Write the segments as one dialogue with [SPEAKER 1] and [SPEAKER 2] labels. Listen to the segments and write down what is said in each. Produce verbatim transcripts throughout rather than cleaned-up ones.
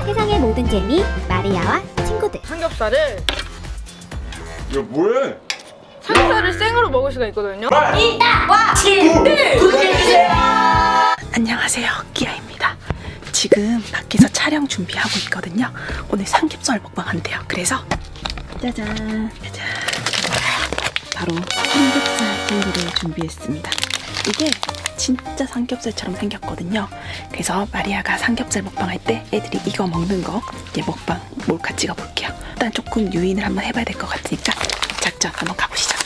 [SPEAKER 1] 세상의 모든 재미 마리아와 친구들.
[SPEAKER 2] 삼겹살을
[SPEAKER 3] 야 뭐해?
[SPEAKER 2] 삼겹살을 생으로 먹을 수가 있거든요.
[SPEAKER 1] 이따와 친구들 구독해주세요.
[SPEAKER 4] 안녕하세요, 끼아입니다. 지금 밖에서 촬영 준비하고 있거든요. 오늘 삼겹살 먹방 한대요. 그래서 짜잔 짜잔 바로 삼겹살 젤리를 준비했습니다. 이게 진짜 삼겹살처럼 생겼거든요. 그래서 마리아가 삼겹살 먹방 할 때 애들이 이거 먹는 거 이제 먹방 몰카 찍어 볼게요. 일단 조금 유인을 한번 해봐야 될 것 같으니까 작전 한번 가보시죠.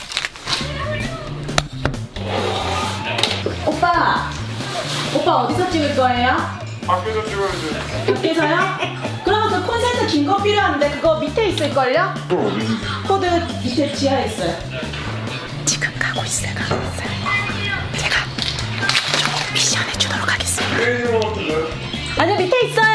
[SPEAKER 4] 오빠! 오빠 어디서 찍을 거예요?
[SPEAKER 3] 밖에서 찍어야지.
[SPEAKER 4] 밖에서요? 그러면 그 콘센트 긴 거 필요한데 그거 밑에 있을걸요?
[SPEAKER 3] 또 어디?
[SPEAKER 4] 코드 밑에 지하에 있어요. 지금 가고 있어요, 가고 있어요. 제가 좀 미션 해주도록 하겠습니다.
[SPEAKER 3] 게임 같은데?
[SPEAKER 4] 아니요, 밑에 있어요.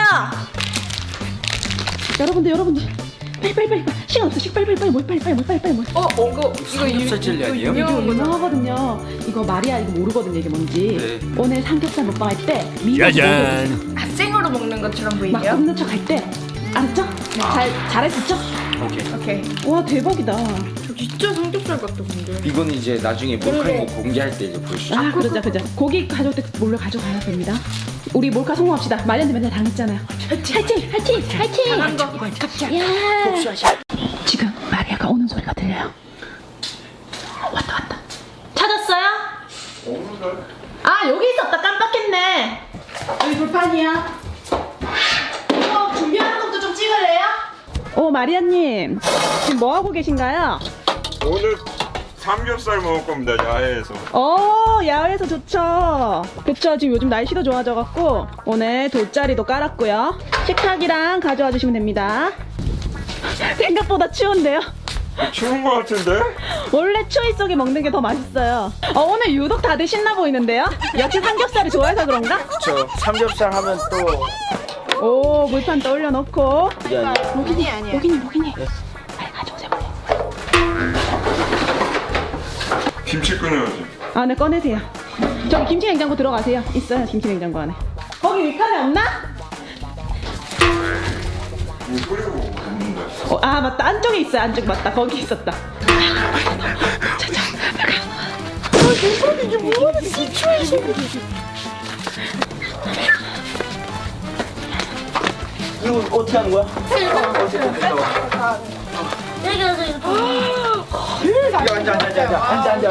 [SPEAKER 4] 여러분들, 여러분들, 빨리 빨리 빨리 빨리. 시간 없어, 시간 빨리 빨리 빨리 뭘 빨리 빨리 뭘 빨리 빨리 뭘.
[SPEAKER 2] 어, 어 이거 이거
[SPEAKER 5] 삼겹살 젤리 아니에요?
[SPEAKER 4] 이거
[SPEAKER 2] 유명한 거죠.
[SPEAKER 4] 유명하거든요. 이거 마리아 이거 모르거든요, 이게 뭔지.
[SPEAKER 5] 네.
[SPEAKER 4] 오늘 삼겹살 먹방 할 때 미리
[SPEAKER 5] 짜잔.
[SPEAKER 2] 아, 생으로 먹는 것처럼
[SPEAKER 4] 막
[SPEAKER 2] 보이네요.
[SPEAKER 4] 굽는 척 할 때 알았죠?
[SPEAKER 2] 네.
[SPEAKER 4] 잘 잘했었죠?
[SPEAKER 5] 오케이.
[SPEAKER 2] 오케이.
[SPEAKER 4] 와 대박이다.
[SPEAKER 2] 저 진짜 삼겹살 같다 근데.
[SPEAKER 5] 이건 이제 나중에 몰카인 거 공개할 때 이제 보여주죠.
[SPEAKER 4] 아 그러자 그러자. 고기 가져올 때 몰래 가져가야 됩니다. 우리 몰카 성공합시다. 마리한테 맨날 당했잖아요. 화이팅 화이팅 화이팅.
[SPEAKER 2] 잘한 거. 갑자.
[SPEAKER 4] 지금 마리아가 오는 소리가 들려요. 어, 왔다 왔다. 찾았어요?
[SPEAKER 3] 없는데?
[SPEAKER 4] 아 여기 있었다. 깜빡했네. 여기 불판이야. 이거 준비하는 것도 좀 찍을래요? 오 마리아님 지금 뭐 하고 계신가요?
[SPEAKER 3] 오늘 삼겹살 먹을 겁니다. 야외에서.
[SPEAKER 4] 어 야외에서 좋죠. 그쵸, 지금 요즘 날씨도 좋아져갖고 오늘 돗자리도 깔았고요. 식탁이랑 가져와 주시면 됩니다. 생각보다 추운데요?
[SPEAKER 3] 추운 거 같은데?
[SPEAKER 4] 원래 추위 속에 먹는 게 더 맛있어요. 어, 오늘 유독 다들 신나 보이는데요? 역시 삼겹살을 좋아해서 그런가?
[SPEAKER 5] 저 삼겹살 하면 또
[SPEAKER 4] 오 물판 또 올려놓고.
[SPEAKER 5] 이게 아니에요.
[SPEAKER 2] 고기니 아니야.
[SPEAKER 4] 고기니 고기니 빨리 가져오세요.
[SPEAKER 3] 김치 꺼내야지.
[SPEAKER 4] 아, 네, 꺼내세요. 저기 김치 냉장고 들어가세요. 있어요, 김치 냉장고 안에. 거기 밑칸에 없나?
[SPEAKER 3] 이거 끓이고 먹는데.
[SPEAKER 4] 어, 아, 맞다. 안쪽에 있어요, 안쪽. 맞다. 거기 있었다. 자자,
[SPEAKER 2] 이게 뭐하는 시츄에이션.
[SPEAKER 5] 이거 어떻게 하는 거야? 어떻게 하는 거야? 야, 앉아, 앉아, 앉아, 앉아, 앉아.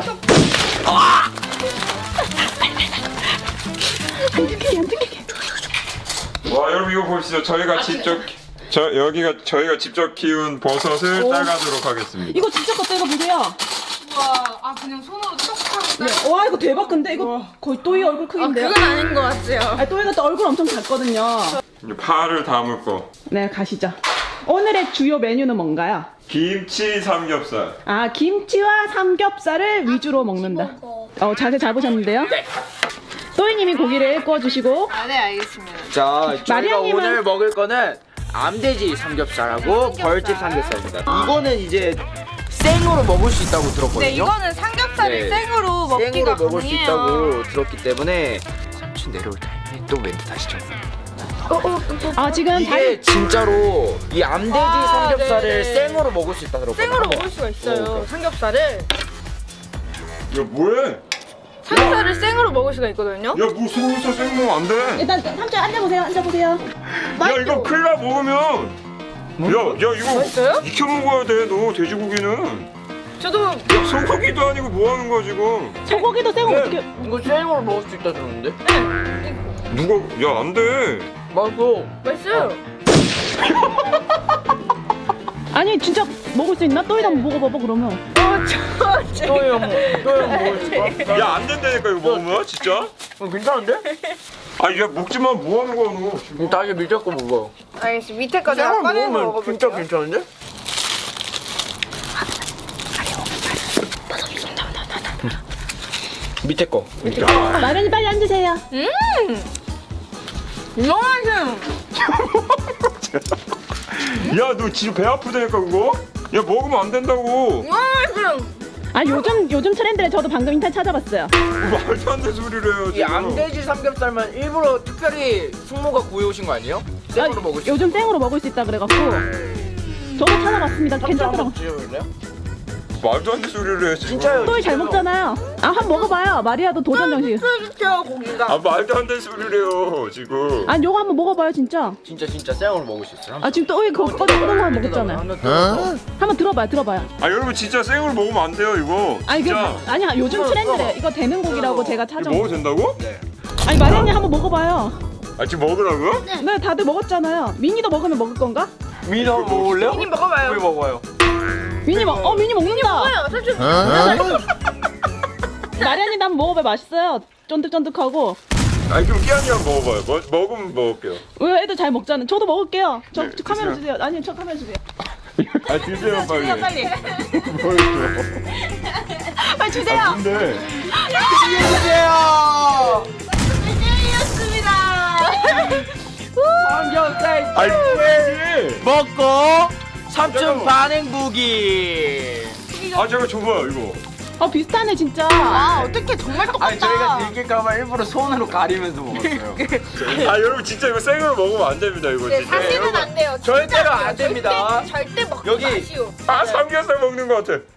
[SPEAKER 4] 안 들키게, 안 들키게.
[SPEAKER 3] 와 여러분 이거 보시죠. 저희가 직접 저 여기가 저희가 직접 키운 버섯을
[SPEAKER 4] 오.
[SPEAKER 3] 따가도록 하겠습니다.
[SPEAKER 4] 이거 진짜 거 떼고 보세요.
[SPEAKER 2] 와, 아 그냥 손으로 쏙 하고.
[SPEAKER 4] 네. 와, 이거 대박. 근데 이거 거의 또이 얼굴
[SPEAKER 2] 아
[SPEAKER 4] 크기인데요?
[SPEAKER 2] 그건 아닌 것 같아요.
[SPEAKER 4] 아, 또이가 또 얼굴 엄청 작거든요.
[SPEAKER 3] 이제 파를 담을 거.
[SPEAKER 4] 네, 가시죠. 오늘의 주요 메뉴는 뭔가요?
[SPEAKER 3] 김치 삼겹살.
[SPEAKER 4] 아, 김치와 삼겹살을 위주로 먹는다. 어, 자세 잘 보셨는데요? 또이님이 고기를 구워주시고.
[SPEAKER 2] 아, 네 알겠습니다.
[SPEAKER 5] 자, 저희가
[SPEAKER 4] 마리아님은-
[SPEAKER 5] 오늘 먹을 거는 암돼지 삼겹살하고 벌집 삼겹살입니다. 이거는 이제 생으로 먹을 수 있다고 들었거든요.
[SPEAKER 2] 네, 이거는 삼겹살을
[SPEAKER 5] 네.
[SPEAKER 2] 생으로 먹기가
[SPEAKER 5] 생으로 먹을 수
[SPEAKER 2] 가능해요.
[SPEAKER 5] 있다고 들었기 때문에 삼촌 내려올 타이밍에 또 멘트 다시 쳐.
[SPEAKER 2] 어, 어, 어, 어.
[SPEAKER 4] 아, 지금
[SPEAKER 5] 이게 진짜로 이 암돼지
[SPEAKER 2] 아,
[SPEAKER 5] 삼겹살을
[SPEAKER 2] 네네.
[SPEAKER 5] 생으로 먹을 수 있다 들었거든요.
[SPEAKER 2] 생으로 먹을 수가 있어요.
[SPEAKER 5] 어,
[SPEAKER 2] 삼겹살을
[SPEAKER 3] 야 뭐해?
[SPEAKER 2] 삼겹살을 생으로 먹을 수가 있거든요.
[SPEAKER 3] 야 뭐 삼겹살 생 먹으면 안 돼.
[SPEAKER 4] 일단 삼촌 앉아보세요. 앉아보세요.
[SPEAKER 3] 야 이거 큰일 나 먹으면. 야, 야 이거
[SPEAKER 2] 맛있어요?
[SPEAKER 3] 익혀 먹어야 돼. 너 돼지고기는.
[SPEAKER 2] 저도
[SPEAKER 3] 야 소고기도 아니고 뭐 하는 거야 지금?
[SPEAKER 4] 소고기도 생으로 어떻게?
[SPEAKER 5] 이거 생으로 먹을 수 있다 들었는데?
[SPEAKER 3] 누가? 야 안 돼.
[SPEAKER 5] 맞어.
[SPEAKER 2] 맛있어요.
[SPEAKER 4] 아니 진짜 먹을 수 있나? 또이도 한번 먹어봐봐 그러면.
[SPEAKER 2] 어, 저, 저.
[SPEAKER 5] 또형 또형 먹을 수 있어?
[SPEAKER 3] 야 안 된다니까 이거 먹으면 진짜?
[SPEAKER 5] 어, 괜찮은데?
[SPEAKER 3] 아야 먹지 마. 뭐 하는 거야 너? 지금?
[SPEAKER 5] 다시 밑에 거 먹어.
[SPEAKER 2] 알겠습니다. 밑에 거
[SPEAKER 5] 생으로
[SPEAKER 2] 내가 꺼내서
[SPEAKER 5] 먹으면 진짜
[SPEAKER 2] 먹어볼게요.
[SPEAKER 5] 괜찮은데? 밑에 거.
[SPEAKER 4] 마련이 빨리 앉으세요.
[SPEAKER 2] 너무 맛있어요.
[SPEAKER 3] 야 너 지금 배 아프다니까 그거? 야 먹으면 안 된다고.
[SPEAKER 2] 너무 맛있어요.
[SPEAKER 4] 아 요즘 요즘 트렌드를 저도 방금 인터넷 찾아봤어요.
[SPEAKER 3] 말도 안 되는 소리를 해요
[SPEAKER 5] 이
[SPEAKER 3] 지금.
[SPEAKER 5] 암돼지 삼겹살만 일부러 특별히 숙모가 구해오신 거 아니에요? 생으로 먹을 수
[SPEAKER 4] 요즘 생으로 먹을 수 있다 그래갖고 저도 찾아봤습니다. 괜찮더라고.
[SPEAKER 5] 드셔볼래요?
[SPEAKER 3] 말도 안 되는 소리를 해 지금.
[SPEAKER 5] 진짜요?
[SPEAKER 4] 또이 잘 먹잖아요. 아, 한번 먹어봐요. 마리아도 도전 정신.
[SPEAKER 2] 쫄깃해요 고기가.
[SPEAKER 3] 아 말도 안 되는 소리를 해요 지금.
[SPEAKER 4] 아니 요거 한번 먹어봐요 진짜.
[SPEAKER 5] 진짜 진짜 생으로 먹을 수 있어요.
[SPEAKER 4] 아 지금 또이 그거 꺼내 거 먹었잖아요. 한번 들어봐요, 들어봐요.
[SPEAKER 3] 아 여러분 진짜 생으로 먹으면 안 돼요 이거.
[SPEAKER 4] 아니 그
[SPEAKER 3] 진짜.
[SPEAKER 4] 아니야 요즘 트렌드래. 이거 되는 고기라고 제가
[SPEAKER 3] 이거
[SPEAKER 4] 찾아.
[SPEAKER 3] 먹어도 된다고?
[SPEAKER 5] 네.
[SPEAKER 4] 아니 마리아님 한번 먹어봐요.
[SPEAKER 3] 아 지금 먹으라고요?
[SPEAKER 4] 네 다들 먹었잖아요. 미니도 먹으면 먹을 건가?
[SPEAKER 5] 미니 한번 먹을래요?
[SPEAKER 2] 미니 먹어봐요.
[SPEAKER 5] 왜 먹어요?
[SPEAKER 4] 미니 먹. 어 미니 먹는다.
[SPEAKER 2] 먹어요. 사실
[SPEAKER 4] 마리아님 한번 먹어봐요. 맛있어요. 쫀득쫀득하고.
[SPEAKER 3] 아 그럼 끼안이 한번 먹어봐요. 뭐, 먹으면 먹을게요.
[SPEAKER 4] 왜 애들 잘 먹잖아요. 저도 먹을게요. 저,
[SPEAKER 3] 네,
[SPEAKER 4] 저 카메라
[SPEAKER 3] 드세요.
[SPEAKER 4] 주세요. 아니 저 카메라 주세요.
[SPEAKER 3] 아 드세요 빨리.
[SPEAKER 4] 주세요 빨리.
[SPEAKER 3] 뭘 줘?
[SPEAKER 4] 빨리 주세요.
[SPEAKER 3] 아 근데
[SPEAKER 5] 주세요.
[SPEAKER 2] 였습니다.
[SPEAKER 5] 삼겹살
[SPEAKER 3] 아니 왜?
[SPEAKER 5] 먹고 삼촌
[SPEAKER 3] 잠깐만.
[SPEAKER 5] 반응 보기.
[SPEAKER 3] 아 잠깐 줘봐요 이거.
[SPEAKER 4] 어 비슷하네 진짜.
[SPEAKER 2] 아 어떻게 정말 똑같다.
[SPEAKER 5] 아니 저희가 들킬까봐 일부러 손으로 가리면서 먹었어요.
[SPEAKER 3] 아 여러분 진짜 이거 생으로 먹으면 안 됩니다 이거
[SPEAKER 2] 네,
[SPEAKER 3] 진짜.
[SPEAKER 2] 사실은
[SPEAKER 3] 여러분.
[SPEAKER 2] 안 돼요.
[SPEAKER 5] 절대로
[SPEAKER 2] 진짜
[SPEAKER 5] 안
[SPEAKER 2] 돼요.
[SPEAKER 5] 됩니다.
[SPEAKER 2] 절대, 절대 먹지
[SPEAKER 5] 여기.
[SPEAKER 2] 마시오.
[SPEAKER 3] 아 삼겹살 먹는 것 같아.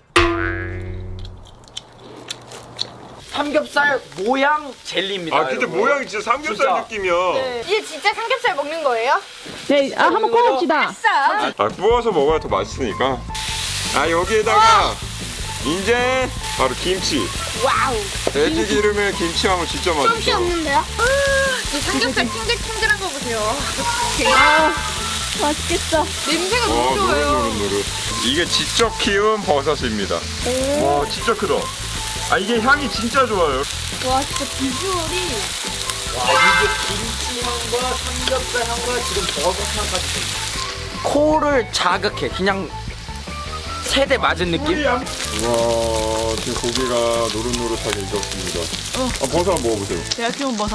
[SPEAKER 5] 삼겹살 모양 젤리입니다.
[SPEAKER 3] 아 근데
[SPEAKER 5] 여러분.
[SPEAKER 3] 모양이 진짜 삼겹살
[SPEAKER 5] 진짜.
[SPEAKER 3] 느낌이야.
[SPEAKER 2] 네. 이게 진짜 삼겹살 먹는 거예요?
[SPEAKER 4] 네, 아 한번 구워봅시다.
[SPEAKER 2] 싸.
[SPEAKER 3] 아 구워서 먹어야 더 맛있으니까. 아 여기에다가 이제 바로 김치.
[SPEAKER 2] 와우.
[SPEAKER 3] 돼지 기름에 김치하면 진짜 맛있어.
[SPEAKER 2] 없는데요? 이 삼겹살 탱글탱글한 거 보세요.
[SPEAKER 4] 아 맛있겠어.
[SPEAKER 2] 냄새가
[SPEAKER 3] 와
[SPEAKER 2] 너무 좋아요.
[SPEAKER 3] 노릇노릇노릇. 이게 직접 키운 버섯입니다. 와 진짜 크다. 아 이게 향이 진짜 좋아요.
[SPEAKER 2] 와 진짜 비주얼이.
[SPEAKER 5] 와 이게 김치 향과 삼겹살 향과 지금 버섯 향까지. 코를 자극해. 그냥 세대 맞은 느낌?
[SPEAKER 3] 와 지금 고기가 노릇노릇하게 익었습니다. 아, 버섯 한번 먹어보세요.
[SPEAKER 4] 제가 키운 버섯.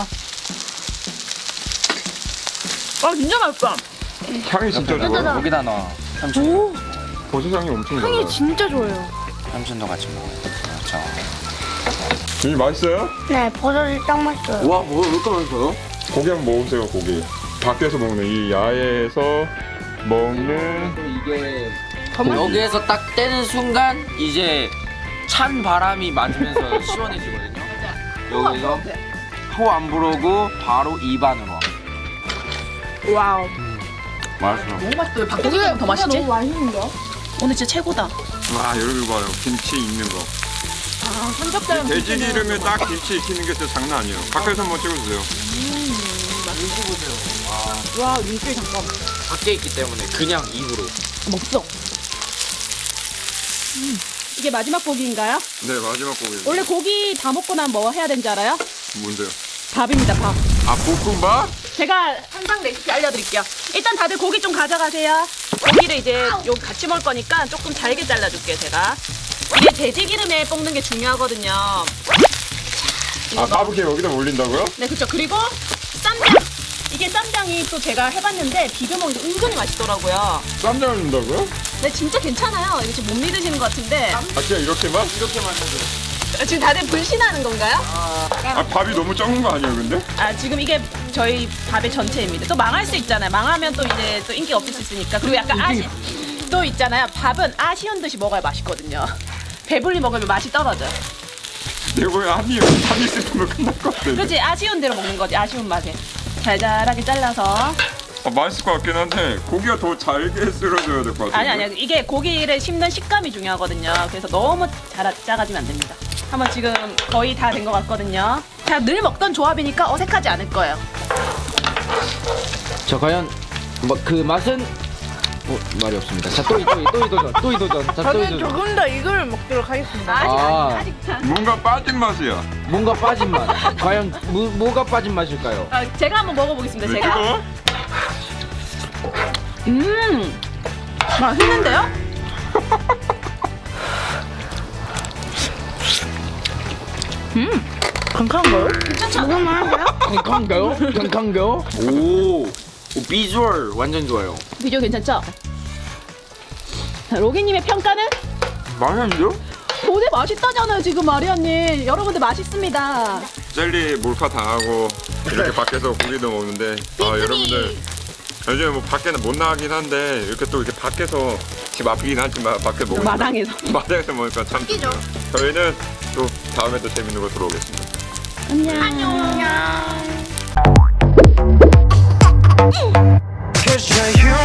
[SPEAKER 4] 아 진짜 맛있다.
[SPEAKER 3] 향이 진짜 좋아요.
[SPEAKER 5] 여기다 넣어. 삼촌.
[SPEAKER 3] 버섯 향이 엄청 좋아요.
[SPEAKER 2] 향이 진짜 좋아요.
[SPEAKER 5] 삼촌도 같이 먹어요. 그렇죠.
[SPEAKER 3] 이 맛있어요?
[SPEAKER 2] 네 버섯이 딱 맛있어요.
[SPEAKER 5] 와, 뭐, 왜 이렇게 맛있어요?
[SPEAKER 3] 고기 한번 먹어보세요 고기. 밖에서 먹는 이 야외에서 먹는
[SPEAKER 5] 또 이게 여기에서 딱 떼는 순간 이제 찬 바람이 맞으면서 시원해지거든요. 여기서 코 안 부르고 바로 입안으로.
[SPEAKER 4] 와우.
[SPEAKER 5] 맛있어.
[SPEAKER 4] 너무 맛있어요. 밖에서 먹으면 더 맛있지?
[SPEAKER 2] 너무 맛있는데요?
[SPEAKER 4] 오늘 진짜 최고다.
[SPEAKER 3] 와 여러분 봐요 김치 익는 거.
[SPEAKER 4] 아 삼겹살.
[SPEAKER 3] 돼지 기름에 딱 김치 익히는 게 진짜 장난 아니에요. 밖에서 한번 찍어주세요.
[SPEAKER 5] 눈치 보세요.
[SPEAKER 4] 와 윤기 잠깐.
[SPEAKER 5] 밖에 있기 때문에 그냥 입으로.
[SPEAKER 4] 먹어. 음. 이게 마지막 고기인가요?
[SPEAKER 3] 네 마지막 고기.
[SPEAKER 4] 원래 고기 다 먹고 나면 뭐 해야 되는지 알아요?
[SPEAKER 3] 뭔데요?
[SPEAKER 4] 밥입니다 밥.
[SPEAKER 3] 아 볶음밥?
[SPEAKER 4] 제가 한상 레시피 알려드릴게요. 일단 다들 고기 좀 가져가세요. 고기를 이제 여기 같이 먹을 거니까 조금 잘게 잘라줄게요 제가. 이게 돼지 기름에 볶는 게 중요하거든요.
[SPEAKER 3] 아 가부키 여기다 올린다고요?
[SPEAKER 4] 네 그렇죠. 그리고 쌈장. 이게 쌈장이 또 제가 해봤는데 비벼 먹으니까 은근히 맛있더라고요.
[SPEAKER 3] 쌈장을 넣는다고요?
[SPEAKER 4] 네 진짜 괜찮아요. 이거 지금 못 믿으시는 것 같은데
[SPEAKER 3] 아 그냥 이렇게만?
[SPEAKER 5] 이렇게만 해도.
[SPEAKER 4] 지금 다들 불신하는 건가요?
[SPEAKER 3] 아 밥이 너무 적은 거 아니에요 근데?
[SPEAKER 4] 아 지금 이게 저희 밥의 전체입니다. 또 망할 수 있잖아요. 망하면 또 이제 또 인기 없을 수 있으니까. 그리고 약간 아쉬 또 있잖아요. 밥은 아쉬운 듯이 먹어야 맛있거든요. 배불리 먹으면 맛이 떨어져.
[SPEAKER 3] 내 거에 한입 한입 쓰면 끝날 것 같은데.
[SPEAKER 4] 그렇지 아쉬운 대로 먹는 거지. 아쉬운 맛에 잘잘하게 잘라서.
[SPEAKER 3] 아, 맛있을 것 같긴 한데 고기가 더 잘게 쓸어줘야 될 것 같아요.
[SPEAKER 4] 아니 아니 이게 고기를 씹는 식감이 중요하거든요. 그래서 너무 잘 작아지면 안 됩니다. 한번 지금 거의 다 된 것 같거든요. 자 늘 먹던 조합이니까 어색하지 않을 거예요.
[SPEAKER 5] 자 과연 뭐 그 맛은 어, 말이 없습니다. 자 또이 또이 또이 도전 또이 도전. 자 또이
[SPEAKER 2] 저는
[SPEAKER 5] 도전.
[SPEAKER 2] 조금 더 이걸 먹도록 하겠습니다.
[SPEAKER 4] 아직
[SPEAKER 5] 아.
[SPEAKER 4] 아직 아직.
[SPEAKER 3] 뭔가 빠진 맛이야.
[SPEAKER 5] 뭔가 빠진 맛. 과연 뭐, 뭐가 빠진 맛일까요?
[SPEAKER 4] 아, 제가 한번 먹어보겠습니다.
[SPEAKER 3] 왜
[SPEAKER 4] 제가.
[SPEAKER 3] 뜨거워?
[SPEAKER 4] 음 맛있는데요? 음 건강한가요?
[SPEAKER 5] 강강가요? 강강가요? 오, 오 비주얼 완전 좋아요.
[SPEAKER 4] 비주얼 괜찮죠? 자, 로기님의 평가는?
[SPEAKER 5] 맛있는데요?
[SPEAKER 4] 도대 맛있다잖아요 지금 마리아님. 여러분들 맛있습니다.
[SPEAKER 3] 젤리 몰카 당하고 이렇게 밖에서 고기도 먹는데 아 여러분들 요즘에 뭐 밖에는 못 나가긴 한데 이렇게 또 이렇게 밖에서 집 앞이긴 하지만 밖에 먹으니까
[SPEAKER 4] 마당에서.
[SPEAKER 3] 마당에서 먹으니까 참
[SPEAKER 2] 웃기죠?
[SPEAKER 3] 좋네요. 저희는 또 다음에 또 재밌는 거 들어오겠습니다.
[SPEAKER 4] 안녕.
[SPEAKER 6] Cause you're